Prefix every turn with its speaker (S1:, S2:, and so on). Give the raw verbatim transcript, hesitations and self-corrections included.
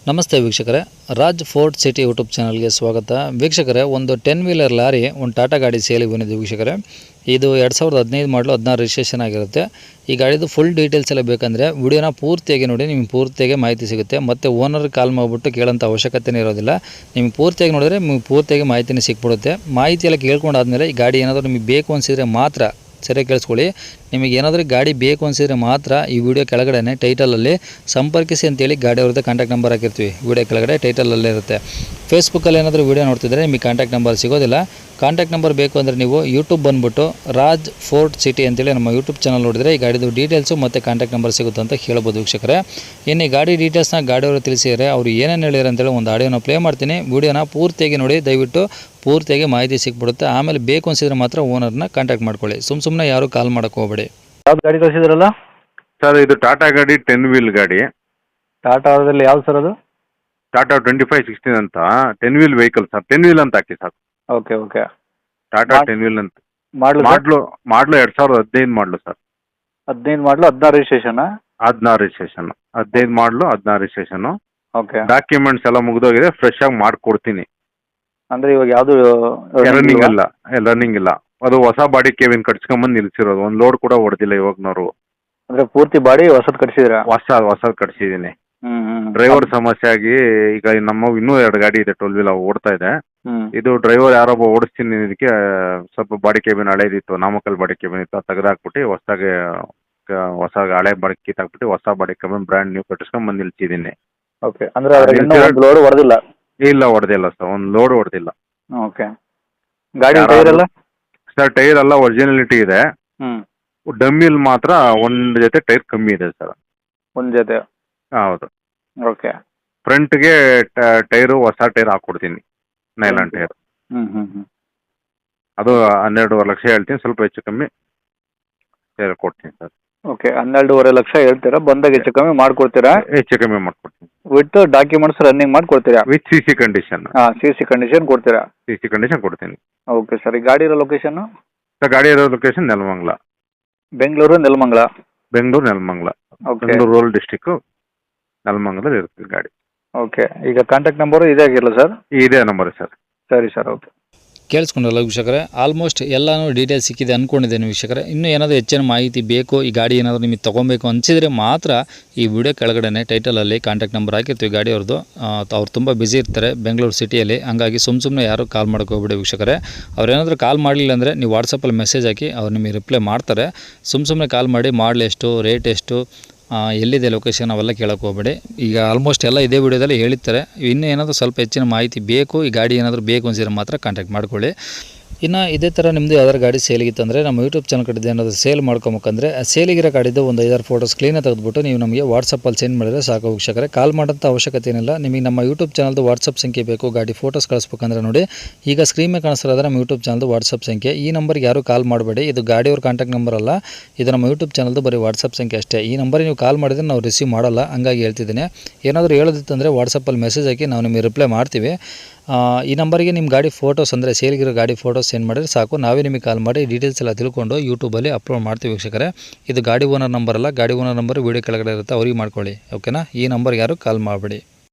S1: ನಮಸ್ತೆ ವೀಕ್ಷಕರೇ, Raj fort city YouTube ಚಾನಲ್ಗೆ ಸ್ವಾಗತ. ವೀಕ್ಷಕರೇ, ಒಂದು ಟೆನ್ ವೀಲರ್ ಲಾರಿ ಒಂದು ಟಾಟಾ ಗಾಡಿ ಸೇಲಿಗೆ ಬಂದಿದೆ ವೀಕ್ಷಕರೇ. ಇದು ಎರಡು ಸಾವಿರದ ಹದಿನೈದು ಮಾಡಲು ಹದಿನಾರು ರಿಜಿಸ್ಟ್ರೇಷನ್ ಆಗಿರುತ್ತೆ. ಈ ಗಾಡಿದು ಫುಲ್ ಡೀಟೇಲ್ಸ್ ಎಲ್ಲ ಬೇಕಂದರೆ ವಿಡಿಯೋನ ಪೂರ್ತಿಯಾಗಿ ನೋಡಿ, ನಿಮ್ಗೆ ಪೂರ್ತಿಯಾಗಿ ಮಾಹಿತಿ ಸಿಗುತ್ತೆ. ಮತ್ತು ಓನರ್ ಕಾಲ್ ಮಾಡಿಬಿಟ್ಟು ಕೇಳೋಂಥ ಅವಶ್ಯಕತೆನೇ ಇರೋದಿಲ್ಲ. ನಿಮ್ಗೆ ಪೂರ್ತಿಯಾಗಿ ನೋಡಿದ್ರೆ ನಿಮ್ಗೆ ಪೂರ್ತಿಯಾಗಿ ಮಾಹಿತಿನೇ ಸಿಕ್ಬಿಡುತ್ತೆ. ಮಾಹಿತಿ ಎಲ್ಲ ಕೇಳ್ಕೊಂಡಾದ್ಮೇಲೆ ಈ ಗಾಡಿ ಏನಾದರೂ ನಿಮಗೆ ಬೇಕು ಅನಿಸಿದರೆ ಮಾತ್ರ ಸರಿಯಾಗಿ ಕೇಳಿಸ್ಕೊಳ್ಳಿ. ನಿಮಗೆ ಏನಾದರೂ ಗಾಡಿ ಬೇಕು ಅನಿಸಿದರೆ ಮಾತ್ರ ಈ ವಿಡಿಯೋ ಕೆಳಗಡೆ ಟೈಟಲಲ್ಲಿ ಸಂಪರ್ಕಿಸಿ ಅಂತೇಳಿ ಗಾಡಿ ಅವ್ರದ್ದು ಕಾಂಟ್ಯಾಕ್ಟ್ ನಂಬರ್ ಹಾಕಿರ್ತೀವಿ. ವಿಡಿಯೋ ಕೆಳಗಡೆ ಟೈಟಲಲ್ಲೇ ಇರುತ್ತೆ. ಫೇಸ್ಬುಕ್ಕಲ್ಲಿ ಏನಾದರೂ ವಿಡಿಯೋ ನೋಡ್ತಿದ್ರೆ ನಿಮಗೆ ಕಾಂಟ್ಯಾಕ್ಟ್ ನಂಬರ್ ಸಿಗೋದಿಲ್ಲ. ಕಾಂಟ್ಯಾಕ್ಟ್ ನಂಬರ್ ಬೇಕು ಅಂದರೆ ನೀವು ಯೂಟ್ಯೂಬ್ ಬಂದುಬಿಟ್ಟು ರಾಜ್ ಫೋರ್ಟ್ ಸಿಟಿ ಅಂತೇಳಿ ನಮ್ಮ ಯೂಟ್ಯೂಬ್ ಚಾನಲ್ ನೋಡಿದರೆ ಈ ಗಾಡಿದು ಡೀಟೇಲ್ಸು ಮತ್ತು ಕಾಂಟ್ಯಾಕ್ಟ್ ನಂಬರ್ ಸಿಗುತ್ತೆ ಅಂತ ಹೇಳ್ಬೋದು ವೀಕ್ಷಕರೇ. ಇನ್ನು ಈ ಗಾಡಿ ಡೀಟೇಲ್ಸ್ನ ಗಾಡಿಯವರು ತಿಳಿಸಿದರೆ ಅವರು ಏನೇನು ಹೇಳಿದ್ರು ಅಂತೇಳಿ ಒಂದು ಆಡಿಯೋನ ಪ್ಲೇ ಮಾಡ್ತೀನಿ. ವಿಡಿಯೋನ ಪೂರ್ತಿಯಾಗಿ ನೋಡಿ, ದಯವಿಟ್ಟು ಪೂರ್ತಿಯಾಗಿ ಮಾಹಿತಿ ಸಿಕ್ಬಿಡುತ್ತೆ. ಆಮೇಲೆ ಬೇಕು ಅನಿಸಿದ್ರೆ ಮಾತ್ರ ಓನರ್ನ ಕಾಂಟ್ಯಾಕ್ಟ್ ಮಾಡ್ಕೊಳ್ಳಿ. ಸುಮ್ಮ ಸುಮ್ಮನೆ ಯಾರು ಕಾಲ್ ಮಾಡೋಕ್ಕೆ ಹೋಗಬೇಡಿ.
S2: ಯಾವ್ದು ಗಾಡಿ ಕಳಿಸಿದ್ರಲ್ಲ
S3: ಸರ್? ಇದು ಟಾಟಾ ಗಾಡಿ, ಟೆನ್ ವೀಲ್ ಗಾಡಿ.
S2: ಟಾಟಾದಲ್ಲಿ ಯಾವ್ದು ಸರ್ ಅದು?
S3: ಟಾಟಾ ಟ್ವೆಂಟಿ ಫೈವ್ ಸಿಕ್ಸ್ಟೀನ್ ಅಂತ ten wheel vehicle sir. Ten wheel ಅಂತ ಹಾಕಿ sir.
S2: Okay okay.
S3: Tata ten wheel ಅಂತ.
S2: ಮಾಡಲು
S3: ಮಾಡ್ಲು ಮಾಡ್ಲು ಎರಡು ಸಾವಿರದ ಹದಿನೈದು ಮಾಡಲು ಸರ್.
S2: ಹದಿನೈದು ಮಾಡಲು ಹದಿನಾರು ರಿಜಿಸ್ಟ್ರೇಷನ್?
S3: ಹದಿನಾರು ರಿಜಿಸ್ಟ್ರೇಷನ್. ಹದಿನೈದು ಮಾಡಲು ಹದಿನಾರು ರಿಜಿಸ್ಟ್ರೇಷನ್.
S2: ಓಕೆ.
S3: ಡಾಕ್ಯುಮೆಂಟ್ಸ್ ಎಲ್ಲ ಮುಗಿದೋಗಿದೆ, ಫ್ರೆಶ್ ಆಗಿ ಮಾಡಿಕೊಡ್ತೀನಿ.
S2: ಅಂದರೆ ಇವಾಗ ಯಾವುದು
S3: ರನ್ನಿಂಗ್ ಅಲ್ಲ, ರನ್ನಿಂಗ್ ಇಲ್ಲ. ಅದು ಹೊಸ ಬಾಡಿ ಕೇವಿನ್ ಕಟ್ಸ್ಕೊಂಬಂದು ನಿಲ್ಸಿರೋದು. ಒಂದು ಲೋಡ್ ಕೂಡ ಹೊಡೆದಿಲ್ಲ ಇವಾಗ್ನವರು.
S2: ಅಂದರೆ ಪೂರ್ತಿ ಬಾಡಿ ಹೊಸದು ಕಟ್ಸಿದ್ರಾ?
S3: ಹೊಸ ಹೊಸದು ಕಟ್ಸಿದ್ದೀನಿ.
S2: ಹ್ಞೂ ಹ್ಞೂ.
S3: ಡ್ರೈವರ್ ಸಮಸ್ಯೆ ಆಗಿ ಈಗ ನಮ್ಮ ಇನ್ನೂ ಎರಡು ಗಾಡಿ ಇದೆ, ಟ್ವೆಲ್ ವೀಲ್ ಓಡ್ತಾ ಇದೆ.
S2: ಹ್ಞೂ.
S3: ಇದು ಡ್ರೈವರ್ ಯಾರೊಬ್ಬ ಓಡಿಸ್ತೀನಿ ಇದಕ್ಕೆ ಸ್ವಲ್ಪ ಬಾಡಿ ಕೇಬಿನ್ ಹಳೇದಿತ್ತು, ನಾಮಕಲ್ ಬಾಡಿ ಕೇಬಿನ್ ಇತ್ತು, ಅದು ತೆಗೆದಾಕ್ಬಿಟ್ಟು ಹೊಸದಾಗಿ ಹೊಸ ಹಳೆ ಬಾಡಿ ಕಿತ್ತಾಕ್ಬಿಟ್ಟು ಹೊಸ ಬಾಡಿ ಕೇಬಿನ್ ಬ್ರ್ಯಾಂಡ್ ನ್ಯೂ ಕಟ್ಟಿಸ್ಕೊಂಡು ಬಂದು ನಿಲ್ಸಿದ್ದೀನಿ.
S2: ಓಕೆ. ಅಂದರೆ ಒಂದು ಲೋಡ್ ಹೊಡೆದಿಲ್ಲ?
S3: ಇಲ್ಲ, ಹೊಡೆದಿಲ್ಲ ಸರ್, ಒಂದು ಲೋಡ್ ಹೊಡೆದಿಲ್ಲ.
S2: ಓಕೆ. ಗಾಡಿ ಟೈರ್ ಎಲ್ಲ
S3: ಸರ್? ಟೈರ್ ಎಲ್ಲ ಒರಿಜಿನಾಲಿಟಿ ಇದೆ.
S2: ಹ್ಞೂ.
S3: ಡಮ್ಮಿಲ್ ಮಾತ್ರ ಒಂದು ಜೊತೆ ಟೈರ್ ಕಮ್ಮಿ ಇದೆ ಸರ್.
S2: ಒಂದು ಜೊತೆ?
S3: ಹೌದು.
S2: ಓಕೆ.
S3: ಫ್ರಂಟ್ಗೆ ಟೈರು ಹೊಸ ಟೈರ್ ಹಾಕ್ಕೊಡ್ತೀನಿ, ನೈಲಾನ್ ಟೈರ್.
S2: ಹ್ಞೂ ಹ್ಞೂ ಹ್ಞೂ.
S3: ಅದು ಹನ್ನೆರಡೂವರೆ ಲಕ್ಷ ಹೇಳ್ತೀನಿ, ಸ್ವಲ್ಪ ಹೆಚ್ಚು ಕಮ್ಮಿ ಟೈರ್ ಕೊಡ್ತೀನಿ ಸರ್.
S2: ಓಕೆ. ಹನ್ನೆರಡೂವರೆ ಲಕ್ಷ ಹೇಳ್ತೀರಾ, ಬಂದಾಗ ಹೆಚ್ಚು ಕಮ್ಮಿ ಮಾಡಿಕೊಡ್ತೀರಾ?
S3: ಹೆಚ್ಚು ಕಮ್ಮಿ ಮಾಡ್ಕೊಡ್ತೀನಿ.
S2: ವಿತ್ ಡಾಕ್ಯುಮೆಂಟ್ಸ್ ರನ್ನಿಂಗ್ ಮಾಡಿ ಕೊಡ್ತೀರಾ?
S3: With C C condition.
S2: ಹಾಂ, ಸಿ ಸಿ ಕಂಡೀಷನ್ ಕೊಡ್ತೀರಾ?
S3: ಸಿ ಸಿ ಕಂಡೀಷನ್ ಕೊಡ್ತೀನಿ.
S2: Okay sir. ಈ ಗಾಡಿ ಇರೋ ಲೊಕೇಶನ್ನು?
S3: ಸರ್, ಗಾಡಿ ಇರೋ location Nelamangala.
S2: Bengaluru Nelamangala?
S3: Bengaluru Nelamangala.
S2: Okay.
S3: Bengaluru rural district, ನೆಲಮಂಗಲದಲ್ಲಿ ಇರುತ್ತೆ ಗಾಡಿ.
S2: ಓಕೆ. ಈಗ ಕಾಂಟ್ಯಾಕ್ಟ್ ನಂಬರು ಇದೇ ಆಗಿರಲ್ಲ ಸರ್?
S3: ಇದೇ ನಂಬರ್ ಸರ್.
S2: ಸರಿ ಸರ್. ಓಕೆ.
S1: ಕೇಳಿಸ್ಕೊಂಡಲ್ಲ ವೀಕ್ಷಕರೇ, ಆಲ್ಮೋಸ್ಟ್ ಎಲ್ಲನೂ ಡೀಟೇಲ್ಸ್ ಸಿಕ್ಕಿದೆ ಅಂದ್ಕೊಂಡಿದ್ದೇನೆ ವೀಕ್ಷಕರೇ. ಇನ್ನೂ ಏನಾದರೂ ಹೆಚ್ಚಿನ ಮಾಹಿತಿ ಬೇಕು, ಈ ಗಾಡಿ ಏನಾದರೂ ನಿಮಗೆ ತೊಗೊಬೇಕು ಅನಿಸಿದರೆ ಮಾತ್ರ ಈ ವಿಡಿಯೋ ಕೆಳಗಡೆ ಟೈಟಲಲ್ಲಿ ಕಾಂಟ್ಯಾಕ್ಟ್ ನಂಬರ್ ಹಾಕಿರ್ತೀವಿ ಗಾಡಿಯವ್ರದ್ದು. ಅವ್ರು ತುಂಬ ಬ್ಯುಸಿ ಇರ್ತಾರೆ ಬೆಂಗಳೂರು ಸಿಟಿಯಲ್ಲಿ, ಹಂಗಾಗಿ ಸುಮ್ಮ ಸುಮ್ಮನೆ ಯಾರು ಕಾಲ್ ಮಾಡೋಕೆ ಹೋಗ್ಬಿಡಿ ವೀಕ್ಷಕರೇ. ಅವ್ರೇನಾದರೂ ಕಾಲ್ ಮಾಡಲಿಲ್ಲ ಅಂದರೆ ನೀವು ವಾಟ್ಸಪ್ಪಲ್ಲಿ ಮೆಸೇಜ್ ಹಾಕಿ ಅವ್ರು ನಿಮಗೆ ರಿಪ್ಲೈ ಮಾಡ್ತಾರೆ. ಸುಮ್ಮ ಸುಮ್ಮನೆ ಕಾಲ್ ಮಾಡಿ ಮಾಡಲ್ ಎಷ್ಟು, ರೇಟ್ ಎಷ್ಟು, ಎಲ್ಲಿದೆ ಲೊಕೇಶನ್, ಅವೆಲ್ಲ ಕೇಳೋಕೆ ಹೋಗಬೇಡಿ. ಈಗ ಆಲ್ಮೋಸ್ಟ್ ಎಲ್ಲ ಇದೇ ವಿಡಿಯೋದಲ್ಲಿ ಹೇಳಿರ್ತಾರೆ. ಇನ್ನೂ ಏನಾದರೂ ಸ್ವಲ್ಪ ಹೆಚ್ಚಿನ ಮಾಹಿತಿ ಬೇಕು, ಈ ಗಾಡಿ ಏನಾದರೂ ಬೇಕು ಅನಿಸಿದ್ರೆ ಮಾತ್ರ ಕಾಂಟ್ಯಾಕ್ಟ್ ಮಾಡ್ಕೊಳ್ಳಿ. ಇನ್ನು ಇದೇ ಥರ ನಿಮ್ಮದು ಯಾವ್ದಾರು ಗಾಡಿ ಸೇಲಿಗಿತ್ತಂದರೆ ನಮ್ಮ ಯೂಟ್ಯೂಬ್ ಚಾನಲ್ ಕಡೆದು ಏನಾದರೂ ಸೇಲ್ ಮಾಡ್ಕೊಬೇಕಂದ್ರೆ ಆ ಸೇಲಿಗಿರೋ ಗಾಡಿದ್ದು ಒಂದು ಐದಾರು ಫೋಟೋಸ್ ಕ್ಲೀನಾಗಿ ತೆಗೆದುಬಿಟ್ಟು ನೀವು ನಮಗೆ ವಾಟ್ಸಪ್ಪಲ್ಲಿ ಸೆಂಡ್ ಮಾಡಿದರೆ ಸಾಕು ವೀಕ್ಷಕರೇ. ಕಾಲ್ ಮಾಡೋಂಥ ಅವಶ್ಯಕತೆ ಏನಿಲ್ಲ. ನಿಮಗೆ ನಮ್ಮ ಯೂಟ್ಯೂಬ್ ಚಾನಲ್ದು ವಾಟ್ಸಪ್ ಸಂಖ್ಯೆ ಬೇಕು, ಗಾಡಿ ಫೋಟೋಸ್ ಕಳಿಸ್ಬೇಕಂದ್ರೆ ನೋಡಿ, ಈಗ ಸ್ಕ್ರೀನ್ ಮೇಲೆ ಕಾಣಿಸ್ತಿರೋದ್ರೆ ನಮ್ಮ ಯೂಟ್ಯೂಬ್ ಚಾನಲ್ದು ವಾಟ್ಸಪ್ ಸಂಖ್ಯೆ. ಈ ನಂಬರ್ಗೆ ಯಾರು ಕಾಲ್ ಮಾಡಬೇಡಿ, ಇದು ಗಾಡಿಯವ್ರ ಕಾಂಟ್ಯಾಕ್ಟ್ ನಂಬರ್ ಅಲ್ಲ, ಇದು ನಮ್ಮ ಯೂಟ್ಯೂಬ್ ಚಾನಲ್ದು ಬರೀ ವಾಟ್ಸಪ್ ಸಂಖ್ಯೆ ಅಷ್ಟೇ. ಈ ನಂಬರಿಗೆ ನೀವು ಕಾಲ್ ಮಾಡಿದರೆ ನಾವು ರಿಸೀವ್ ಮಾಡಲ್ಲ, ಹಂಗಾಗಿ ಹೇಳ್ತಿದ್ದೀನಿ. ಏನಾದರೂ ಹೇಳೋದಿತ್ತಂದರೆ ವಾಟ್ಸಪ್ಪಲ್ಲಿ ಮೆಸೇಜ್ ಹಾಕಿ ನಾವು ನಿಮಗೆ ರಿಪ್ಲೈ ಮಾಡ್ತೀವಿ. ಈ ನಂಬರಿಗೆ ನಿಮ್ಮ ಗಾಡಿ ಫೋಟೋಸ್ ಅಂದರೆ ಸೇಲ್ಗಿರೋ ಗಾಡಿ ಫೋಟೋಸ್ ಸೆಂಡ್ ಮಾಡಿದ್ರೆ ಸಾಕು, ನಾವೇ ನಿಮಗೆ ಕಾಲ್ ಮಾಡಿ ಡೀಟೇಲ್ಸ್ ಎಲ್ಲ ತಿಳ್ಕೊಂಡು ಯೂಟ್ಯೂಬಲ್ಲಿ ಅಪ್ಲೋಡ್ ಮಾಡ್ತೀವಿ ವೀಕ್ಷಕರೇ. ಇದು ಗಾಡಿ ಓನರ್ ನಂಬರ್ ಅಲ್ಲ, ಗಾಡಿ ಓನರ್ ನಂಬರ್ ವೀಡಿಯೋ ಕೆಳಗಡೆ ಇರುತ್ತೆ, ಅವ್ರಿಗೆ ಮಾಡ್ಕೊಳ್ಳಿ. ಓಕೆನಾ? ಈ ನಂಬರ್ಗೆ ಯಾರು ಕಾಲ್ ಮಾಡಬೇಡಿ.